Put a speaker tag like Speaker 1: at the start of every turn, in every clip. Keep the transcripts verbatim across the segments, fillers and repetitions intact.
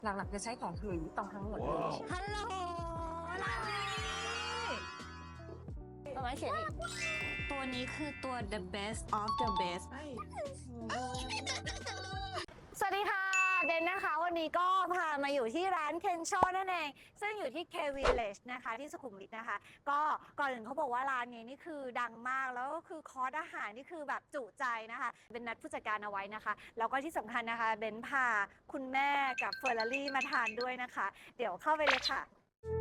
Speaker 1: หลักๆจะใช้ของหลุยส์วิตตองทั้งหมดเลย
Speaker 2: ฮัลโหลลาลีเอาไว้เขียนอีกตัวนี้คือตัว the best of the best สวัสดีค่ะเดนนะคะวันนี้ก็พามาอยู่ที่ร้านเคนโชนั่นเองซึ่งอยู่ที่ K Village นะคะที่สุขุมวิทนะคะก็ก่อนอื่นเขาบอกว่าร้านนี้นี่คือดังมากแล้วก็คือคอร์สอาหารนี่คือแบบจุใจนะคะเป็นนัดผู้จัดการเอาไว้นะคะแล้วก็ที่สำคัญนะคะเบนพาคุณแม่กับเฟอร์รารี่มาทานด้วยนะคะเดี๋ยวเข้าไปเลยค่ะ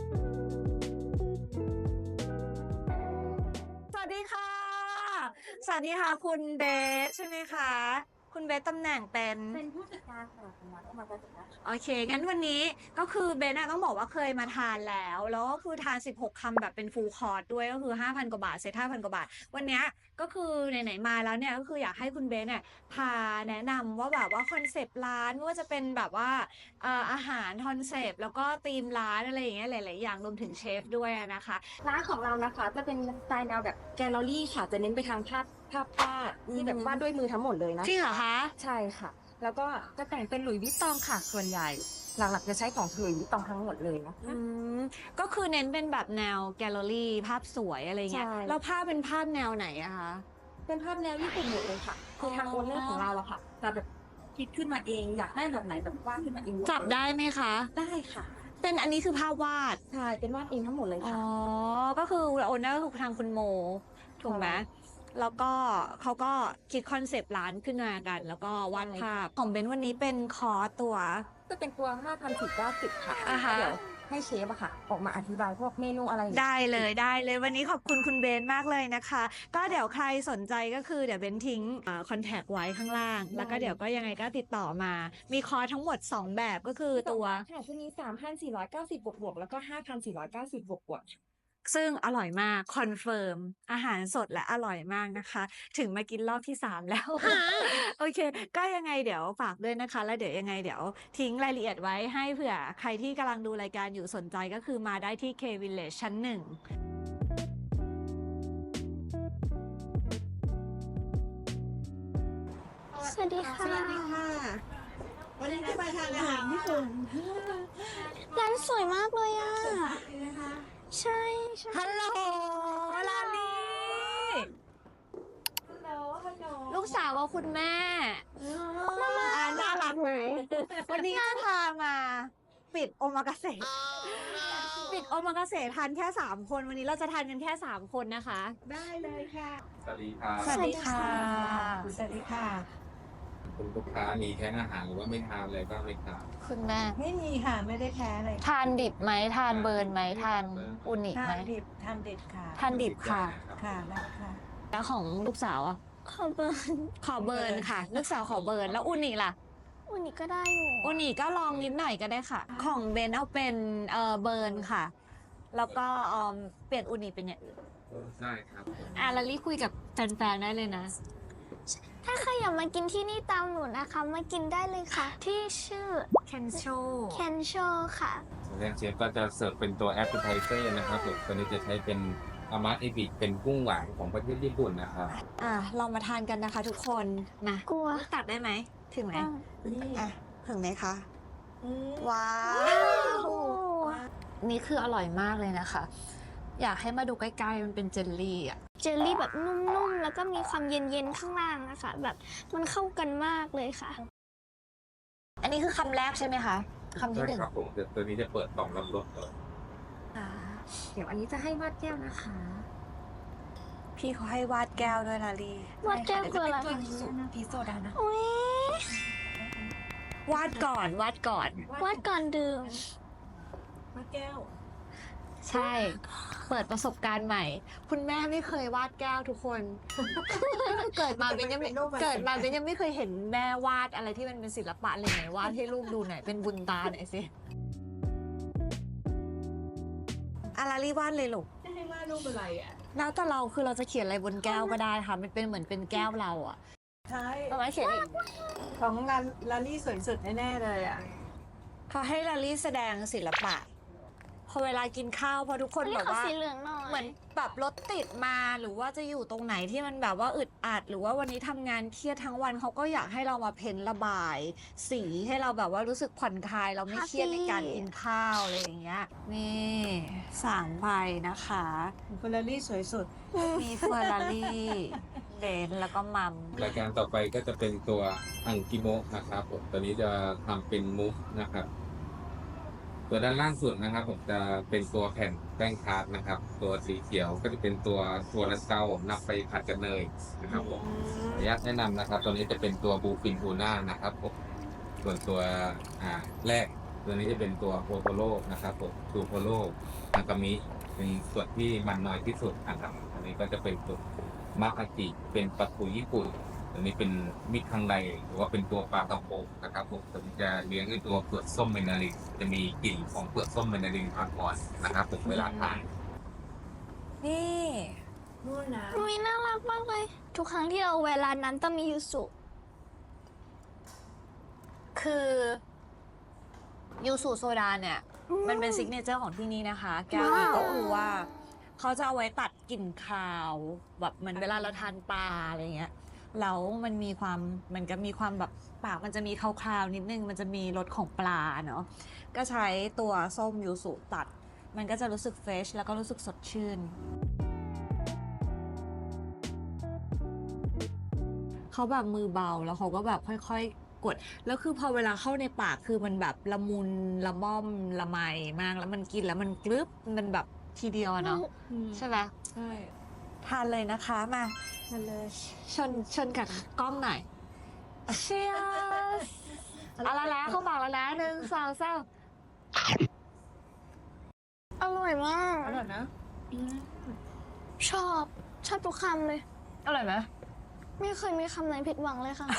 Speaker 2: สวัสดีค่ะสวัสดีค่ะคุณเบสใช่ไหมคะคุณเบสตำแหน่งเป็น
Speaker 1: เป็นผู้จัดการค่ะคุณนัทมาเป็นผู้จัดการ
Speaker 2: โอเค งั้นวันนี้ก็คือเบนอะต้องบอกว่าเคยมาทานแล้ว แล้วก็คือทานสิบหกคำแบบเป็นฟูลคอร์สด้วยก็คือ ห้าพัน กว่าบาทเซตห้าพัน กว่าบาท วันนี้ก็คือไหนๆมาแล้วเนี่ยก็คืออยากให้คุณเบนเนี่ยพาแนะนำว่าแบบว่าคอนเซปต์ร้านไม่ว่าจะเป็นแบบว่าเอ่ออาหารคอนเซปต์แล้วก็ธีมร้านอะไรอย่างเงี้ยหลายๆอย่างรวมถึงเชฟด้วยนะคะ
Speaker 1: ร้านของเรานะคะจะเป็นสไตล์แนวแบบแกลเลอรี่ค่ะจะเน้นไปทางภาพภาพวาดที่แบบวาดด้วยมือทั้งหมดเลยนะ
Speaker 2: จริงเหรอคะ
Speaker 1: ใช่ค่ะ แล้วก็จะแต่งเป็นหลุยส์วิตตองค่ะส่วนใหญ่ หลักๆจะใช้ของหลุยส์วิตตองทั้งหมดเลยนะคะ
Speaker 2: อืมก็คือเน้นเป็นแบบแนวแกลเลอรี่ภาพสวยอะไรเงี้ย
Speaker 1: ใช่
Speaker 2: แล้วภาพเป็นภาพแนวไหนอะคะ
Speaker 1: เป็นภาพแนวญี่ปุ่นหมดเลยค่ะ คือทางโอนเนอร์ของเราอะค่ะจะแบบคิดขึ้นมาเองอยากได้แบบไหนแบบวาดขึ้นมาเอง
Speaker 2: จับได้ไหมคะ
Speaker 1: ได้ค่ะ
Speaker 2: เป็นอันนี้คือภาพวาด
Speaker 1: ใช่เป็นวาดเองทั้งหมดเลย
Speaker 2: อ๋
Speaker 1: ค่ะ
Speaker 2: อ ก็คือโอนเนอร์คือทางคุณโม ถูกไหม แล้วก็เขาก็คิดคอนเซปต์ร้านขึ้นมากัน แล้วก็วาดภาพ ของเบนวันนี้เป็นคอร์สตัว
Speaker 1: จะเป็นตัว ห้าพันสี่ร้อยเก้าสิบ ค่ะ
Speaker 2: อ่าฮะ
Speaker 1: เดี๋ยวให้เชฟอะค่ะ ออกมาอธิบายพวกเมนูอะไรอย่างเงี้ย
Speaker 2: ได้เลยได้เลยวันนี้ขอบคุณคุณเบนมากเลยนะคะ ก็เดี๋ยวใครสนใจก็คือเดี๋ยวเบนทิ้งคอนแทคไว้ข้างล่าง แล้วก็เดี๋ยวก็ยังไงก็ติดต่อมา มีคอร์สทั้งหมดสองแบบก็คือตัว
Speaker 1: ค่ะจะมี สามพันสี่ร้อยเก้าสิบ บวกบวกๆแล้วก็ ห้าพันสี่ร้อยเก้าสิบ บวกบวกๆ
Speaker 2: ซึ่งอร่อยมากคอนเฟิร์มอาหารสดและอร่อยมากนะคะ ถึงมากินรอบที่สามแล้ว โอเค ก็ยังไงเดี๋ยวฝากด้วยนะคะ แล้วเดี๋ยวยังไงเดี๋ยวทิ้งรายละเอียดไว้ให้เผื่อใครที่กำลังดูรายการอยู่สนใจก็คือมาได้ที่ K Village ชั้นหนึ่ง
Speaker 3: สวัสดีค่ะ
Speaker 2: สวัสดีค่ะ วันนี้ได้มาทานอาหารญี่ปุ่น
Speaker 3: ร้านสวยมากเลยอ่ะ ใช่ใช่
Speaker 2: ฮัลโหลลาลีลูกสาวกับคุณแม่อ่าน่ารักไหมวันนี้ก็พามาปิดโอมากาเสะปิดโอมากาเสะทานแค่สามคนวันนี้เราจะทานกันแค่สามคนนะคะ
Speaker 1: ได้เลยค่ะ
Speaker 4: สวัสดีครับ
Speaker 2: สวัสดีค่ะ
Speaker 1: สวัสดีค่ะ
Speaker 4: คุณลูกค้ามีแท้งอาหารหรือว่าไม่ทานอะไรบ้างไหมครับ
Speaker 2: คุณแม่
Speaker 1: ไม่มีค่ะ ไม่ได้แพ้อะไร
Speaker 2: ทานดิบไหมทานเบิร์นไหมทานอุนิไหม
Speaker 1: ทานดิบทานเด็ดค่ะ
Speaker 2: ทานดิบค่ะ
Speaker 1: ค่ะได้ค่ะ
Speaker 2: แล้วของลูกสาวอ่ะ
Speaker 3: ขอเบอร์
Speaker 2: ขอเบิร์นค่ะ ลูกสาวขอเบิร์นแล้วอุนิล่ะ
Speaker 3: อุนิก็ได้อยู่
Speaker 2: อุนิก็ลองนิดหน่อยก็ได้ค่ะ ของเบนเอาเป็นเอ่อเบิร์นค่ะ แล้วก็เอ่อเปลี่ยนอุนิเป็นอย่างอื่น
Speaker 4: ได้ครับ
Speaker 2: อ่ะลาลี่คุยกับแฟนๆได้เลยนะ
Speaker 3: ถ้าใครอยากมากินที่นี่ตามหนูนะคะ มากินได้เลยค่ะ ที่ชื่อ
Speaker 2: เคนโช
Speaker 3: เคนโชค่ะ
Speaker 4: ส่วนแรกเชฟก็จะเสิร์ฟเป็นตัวแอปเปิลไทเซอร์นะครับผมตัวนี้จะใช้เป็นอามะเอบิเป็นกุ้งหวานของประเทศญี่ปุ่นนะครับ
Speaker 2: อ่ะลองมาทานกันนะคะทุกคนมาก
Speaker 3: ลัว
Speaker 2: ตัดได้ไหม ถึงไหม
Speaker 3: อ่ะ
Speaker 2: อ่ะถึงไหมคะ ว้าว นี่คืออร่อยมากเลยนะคะ อยากให้มาดูใกล้ๆมันเป็นเจลลี่อ่ะ
Speaker 3: เจลลี่แบบนุ่มๆ แล้วก็มีความเย็นๆ ข้างล่างนะคะ แบบมันเข้ากันมากเลยค่ะ
Speaker 2: อันนี้คือคำแรกใช่ไหมคะคำที่
Speaker 4: ใช่
Speaker 2: หนึ่ง
Speaker 4: ครับผมเดี๋ยวตัวนี้จะเปิดต่อมรับรสก่อน
Speaker 2: อ่า
Speaker 1: เดี๋ยวอันนี้จะให้วาดแก้วนะคะ
Speaker 2: พี่เขาให้วาดแก้วด้วยลาลี
Speaker 3: วาดแก้วคืออะไร
Speaker 1: ตัวพีโซดาพีโซดานะ
Speaker 3: อุ้ยว
Speaker 2: าดก่อนวาดก่อน
Speaker 3: วาดก่อนดื่ม
Speaker 1: วาดแก้ว
Speaker 2: ใช่ เปิดประสบการณ์ใหม่ คุณแม่ไม่เคยวาดแก้วทุกคน เกิดมาเป็นยังไม่เกิดมาเป็นยังไม่เคยเห็นแม่วาดอะไรที่มันเป็นศิลปะเลยไหนวาดให้ลูกดูหน่อยเป็นบุญตาหน่อยสิอาราลีวาดเลยลูก
Speaker 1: จะให้วาดรูปอะไรอ่ะ
Speaker 2: แล้วแต่เราคือเราจะเขียนอะไรบนแก้วก็ได้ค่ะ มันเป็นเหมือนเป็นแก้วเราอะ
Speaker 1: ใช่
Speaker 2: เอาไว้เขียนอีก
Speaker 1: ของลาลาลี่สวยสุดแน่ๆเลยอ่ะ
Speaker 2: เขาให้ลาลี่แสดงศิลปะ พอเวลากินข้าวพอทุกคน
Speaker 3: อันนี้
Speaker 2: แบบ
Speaker 3: ขอ
Speaker 2: ว่า
Speaker 3: สีเหลืองหน่อย
Speaker 2: เหมือนแบบรถติดมาหรือว่าจะอยู่ตรงไหนที่มันแบบว่าอึดอัด หรือว่าวันนี้ทำงานเครียดทั้งวันเขาก็อยากให้เรามาเพ้นระบาย สีให้เราแบบว่ารู้สึกผ่อนคลายเราไม่เครียดในการกินข้าวอะไรอย่างเงี้ยนี่สามใบนะคะ
Speaker 1: เฟอร์รารี่สวยสุด
Speaker 2: มีเฟอร์รารี่เบนซ์แล้วก็มัม
Speaker 4: รายการต่อไปก็จะเป็นตัวอังกิโมะนะครับผมตัวนี้จะทำเป็นมุกนะครับ ตัวด้านล่างสุดนะครับผมจะเป็นตัวแผ่นแป้งทาร์ตนะครับ ตัวสีเขียวก็จะเป็นตัวตัวนัสเกานำไปผัดกับเนยนะครับผมขออนุญาตแนะนำนะครับ ตัวนี้จะเป็นตัวบูฟินทูน่านะครับผมส่วนตัวอ่าแรกตัวนี้จะเป็นตัวโอโทโร่นะครับผมทูโทโร่อากามิเป็นส่วนที่มันน้อยที่สุดนะครับอันนี้ก็จะเป็นตัวมาคาจิเป็นปลาทูญี่ปุ่นตัวนี้เป็นมิตรข้างในหรือว่าเป็นตัวปลากระพงนะครับผมตัวนี้จะเลี้ยงด้วยตัวเปลือกส้มเมนารินจะมีกลิ่นของเปลือกส้มเมนารินมาก่อนนะครับผมเวลาทาน
Speaker 2: นี่
Speaker 1: นู่นนะ
Speaker 3: อุ้ยน่ารักมากเลย ทุกครั้งที่เราแวะร้านนั้นต้องมียูสุ
Speaker 2: คือยูสุโซดาเนี่ย มันเป็นซิกเนเจอร์ของที่นี่นะคะ แก้วนี้ก็คือว่า เขาจะเอาไว้ตัดกลิ่นคาว แบบเหมือนเวลาเราทานปลาอะไรเงี้ยแล้วมันมีความมันก็มีความแบบปากมันจะมีคาวๆนิดนึง มันจะมีรสของปลาเนาะก็ใช้ตัวส้มยูสุตัด มันก็จะรู้สึกเฟรชแล้วก็รู้สึกสดชื่น เขาแบบมือเบาแล้วเขาก็แบบค่อยๆ กด แล้วคือพอเวลาเข้าในปากคือมันแบบละมุนละม่อมละไมมากแล้วมันกินแล้วมันกรึบมันแบบทีเดียวอะเนาะใช่ไหม
Speaker 1: ใช่
Speaker 2: ทานเลยนะคะมา
Speaker 1: มาเลย
Speaker 2: ชนชนกับกล้องหน่อยเชียร์เอาละแล้วเขาบอกแล้วนะหนึ่งสองสาม
Speaker 3: อร่อยมาก
Speaker 1: อร่อยนะ
Speaker 3: ชอบ ชอบทุกคำเลย
Speaker 2: อร่อยไหม
Speaker 3: ไม่เคยมีคำไหนผิดหวังเลยค่ะ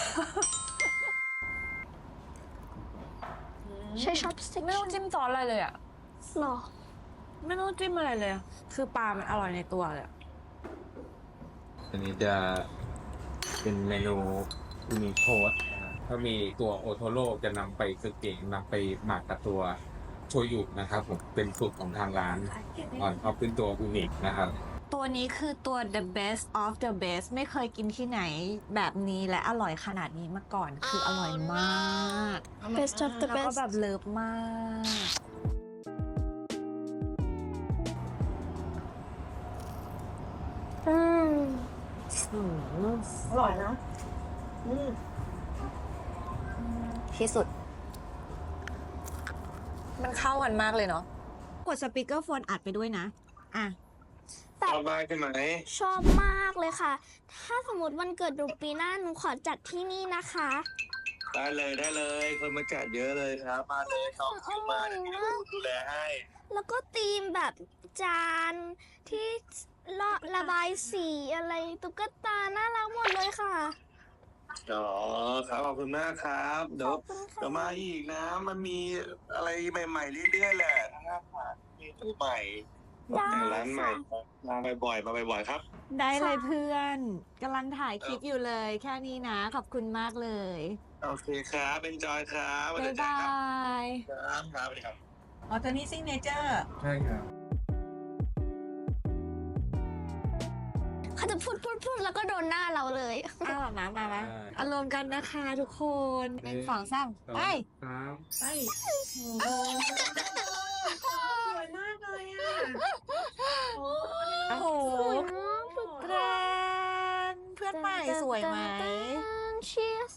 Speaker 3: ใช้ช็อปสติ๊ก
Speaker 2: ไม่ต้องจิ้มซอสอะไรเลยอ่ะ
Speaker 3: หรอ
Speaker 2: ไม่ต้องจิ้มอะไรเลยอะคือปลามันอร่อยในตัวเลยอะ
Speaker 4: อันนี้จะเป็นเมนูอุนิโทสถ้ามีตัวโอโทโร่จะนำไปซึเกะนำไปหมักกับตัวโชยุนะครับผมเป็นสูตรของทางร้านก่อนเอาเป็นตัวอุนินะครับ
Speaker 2: ตัวนี้คือตัว the best of the best ไม่เคยกินที่ไหนแบบนี้และอร่อยขนาดนี้มาก่อน คืออร่อยมาก
Speaker 3: best of the
Speaker 2: แล้วก็
Speaker 3: best
Speaker 2: แบบเลิฟมาก
Speaker 3: อืม
Speaker 1: อร่อยนะอืม
Speaker 2: ที่สุด มันเข้ากันมากเลยเนาะ กดสปีกเกอร์โฟนอัดไปด้วยนะ อ่ะ
Speaker 3: แต่
Speaker 5: ชอบมากใช่ไหม
Speaker 3: ชอบมากเลยค่ะ ถ้าสมมติวันเกิดหนูปีหน้าหนูขอจัดที่นี่นะคะ
Speaker 5: ได้เลยได้เลย คนมาจัดเยอะเลยครับ มาเลยน้องคิวมาเดี๋ยวพี่ลูกดูแลให้
Speaker 3: แล้วก็ธีมแบบจานที่ระระบายสีอะไรตุ๊กตาน่ารักหมดเลยค่ะ
Speaker 5: อ๋อครับขอบคุณมากครับ เดี๋ยว
Speaker 3: ขอบคุณค่ะ
Speaker 5: เดี๋ยวมาอีกนะ มันมีอะไรใหม่ๆเรื่อยๆแหละนะครับมีตู้ใหม่
Speaker 3: ได้
Speaker 5: แต่ร้านใหม่
Speaker 3: ค่ะ
Speaker 5: มาบ่อยๆมาบ่อยๆครับ
Speaker 2: ได้เลยเพื่อนกำลังถ่ายคลิปอยู่เลย แค่นี้นะ ขอบคุณมากเลย
Speaker 5: โอเคครับเป็นจอยครับ
Speaker 2: บ๊ายบาย
Speaker 5: ครับครับสวัสดีครับ
Speaker 1: อ๋อตัวนี้ซิงเนเจอร์
Speaker 4: ใช่ครับ
Speaker 3: เขาจะพูดพูดพูดแล้วก็โดนหน้าเราเลย
Speaker 2: อ้าวมามามา
Speaker 4: ได้
Speaker 2: อารมณ์กันนะคะทุกคนหนึ่งสองสามไป
Speaker 4: ครับ
Speaker 1: ไปสวยมากเลยอ่ะ
Speaker 2: โอ้โหแกรนเพื่อนใหม่สวยไหม
Speaker 3: Cheers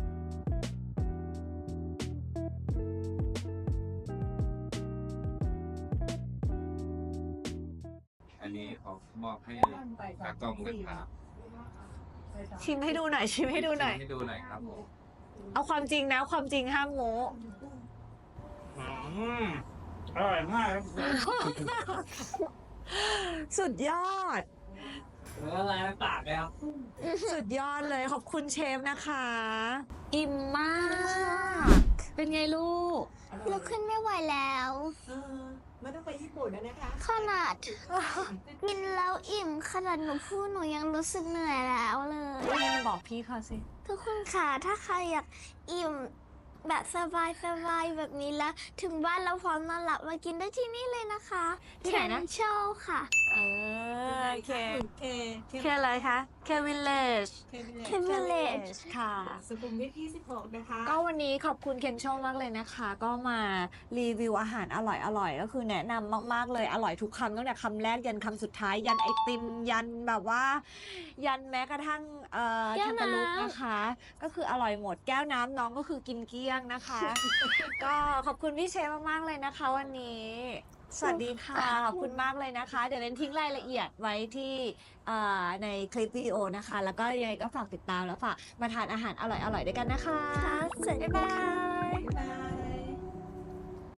Speaker 4: อันนี้ขอมอบให้ตากล้องนะครับ
Speaker 2: ชิมให้ดูหน่อย ชิมให้ดูหน่อย
Speaker 4: ให้ดูหน่อยครับผม
Speaker 2: เอาความจริงนะ ความจริงห้ามโม้
Speaker 5: อืมอร่อยมากครับ
Speaker 2: สุดยอด
Speaker 5: ละลายในปากเลยครับ
Speaker 2: สุดยอดเลยขอบคุณเชฟนะคะ อิ่มมาก เป็นไงลูก
Speaker 3: ลุกขึ้นไม่ไหวแล้ว
Speaker 1: เออไม่ต้องไปญี่ปุ่นนะนะคะ
Speaker 3: ขนาดกินแล้วอิ่มขนาดหนูพูดหนูยังรู้สึกเหนื่อยแล้วเลย
Speaker 2: บอกพี่เขาสิ
Speaker 3: ทุกคนค่ะถ้าใครอยากอิ่มแบบสบายๆแบบนี้แล้ว ถึงบ้านเราพร้อมนอนหลับมากินได้ที่นี่เลยนะคะ
Speaker 2: ที่ไหนนะ
Speaker 3: เคนโชค่ะ
Speaker 2: เออโอเค
Speaker 1: เค
Speaker 2: เคอะไรคะเควิลเลจ
Speaker 1: เค
Speaker 3: Ken Village
Speaker 2: ค่ะ
Speaker 1: สุขุมวิทยี่สิบหกนะคะ
Speaker 2: ก็วันนี้ขอบคุณเคนโชมากเลยนะคะ ก็มารีวิวอาหารอร่อยๆ ก็คือแนะนำมากๆเลยอร่อยทุกคำตั้งแต่คำแรกยันคำสุดท้าย ยันไอติมยันแบบว่า ยันแม้กระทั่งเอ่อ
Speaker 3: แก้
Speaker 2: แคน
Speaker 3: ว
Speaker 2: ตาลูป
Speaker 3: น้ำ
Speaker 2: นะคะ ก็คืออร่อยหมดแก้วน้ำน้องก็คือกินเกลี้ยงนะคะ ก็ขอบคุณพี่เชฟมากๆเลยนะคะ วันนี้ สวัสดีค่ะ ขอบคุณมากเลยนะคะ เดี๋ยวเรนทิ้งรายละเอียดไว้ที่เอ่อในคลิปวิดีโอนะคะ แล้วก็ยังไงก็ฝากติดตามแล้วฝากมาทานอาหารอร่อยๆด้วยกันนะคะ
Speaker 3: ค่ะสวัสดี
Speaker 2: บ๊ายบา
Speaker 3: ค่ะ
Speaker 2: ย